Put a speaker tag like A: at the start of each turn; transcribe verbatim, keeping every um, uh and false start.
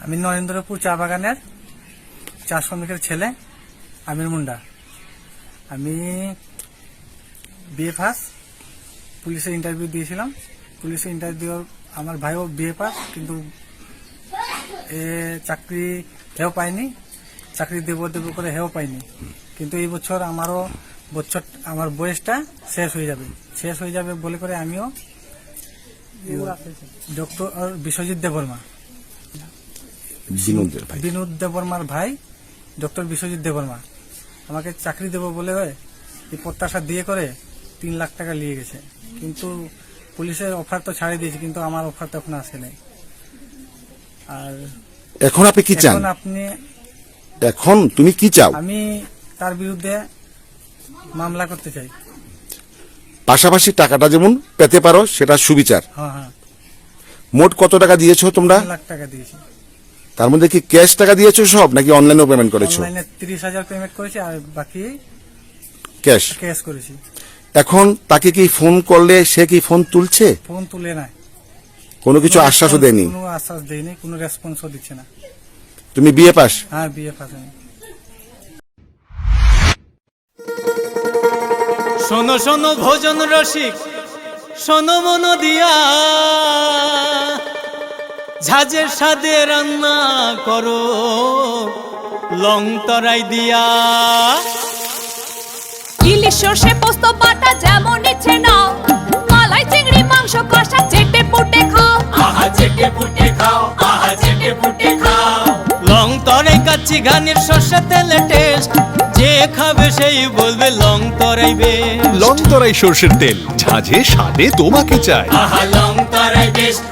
A: আমি নরেন্দ্রপুর চা বাগানের চা শ্রমিকের ছেলে আমির মুন্ডা। আমি বিএ পাস, পুলিশে ইন্টারভিউ দিয়েছিলাম। পুলিশে ইন্টারভিউ আমার ভাইও বিএ পাস, কিন্তু এ চাকরি হেও পাইনি, চাকরি দেব দেব করে হেও পাইনি। কিন্তু এই বছর আমারও বছর আমার বয়সটা শেষ হয়ে যাবে শেষ হয়ে যাবে বলে করে আমিও ডক্টর বিশ্বজিৎ দেববর্মা, বিনোদ দেববর্মার ভাই ডক্টর বিশ্বজিৎ দেববর্মা আমাকে চাকরি দেব বলে এই প্রত্যাশা দিয়ে করে তিন লাখ টাকা নিয়ে গেছে। কিন্তু পুলিশের অফার তো ছাড়িয়ে দিয়েছে, কিন্তু আমার অফার তো এখন আসে নাই। আর
B: এখন আপনি কি চান?
A: আপনি
B: এখন তুমি কি চাও?
A: আমি তার বিরুদ্ধে মামলা করতে চাই।
B: পাশাপাশি টাকাটা যেমন পেতে পারো সেটা সুবিচার।
A: হ্যাঁ হ্যাঁ
B: মোট কত টাকা দিয়েছো তোমরা?
A: তিন লাখ টাকা দিয়েছি।
B: তার মধ্যে কি ক্যাশ টাকা দিয়েছো সব, নাকি অনলাইনেও পেমেন্ট করেছো?
A: অনলাইনে তিরিশ হাজার পেমেন্ট করেছি, আর বাকি
B: ক্যাশ
A: ক্যাশ করেছি।
B: এখন তাকে কি ফোন করলে সে কি ফোন তুলছে?
A: ফোন তুলে নাই,
B: কোনো কিছু আশ্বাসও দেয়নি?
A: কোনো আশ্বাস দেয়নি, কোনো রেসপন্সও দিচ্ছে না।
B: তুমি বিএ পাস?
A: হ্যাঁ বিএ পাস। আমি
C: শোনো শোনো ভোজন রসিক, শোনো মন দিয়া, ঝাঁঝের সাদে রান্না করো লং তরাই দিয়া।
D: ইলিশ সর্ষে পোস্ত বাটা যেমন ইচ্ছে নাও, মালাই চিংড়ি মাংস কষা চেটে পুটে খাও,
C: আহা চেটে পুটে খাও, আহা চেটে পুটে খাও। লং তরাই কাচ্চি ঘানির সর্ষে তেলে টেস্ট, যে খাবে সেই বলবে লং তরাই বেশ।
E: লং তরাই সর্ষের তেল, ঝাঁঝে স্বাদে তোমাকে চাই।
C: আহা লং তরাই বেশ,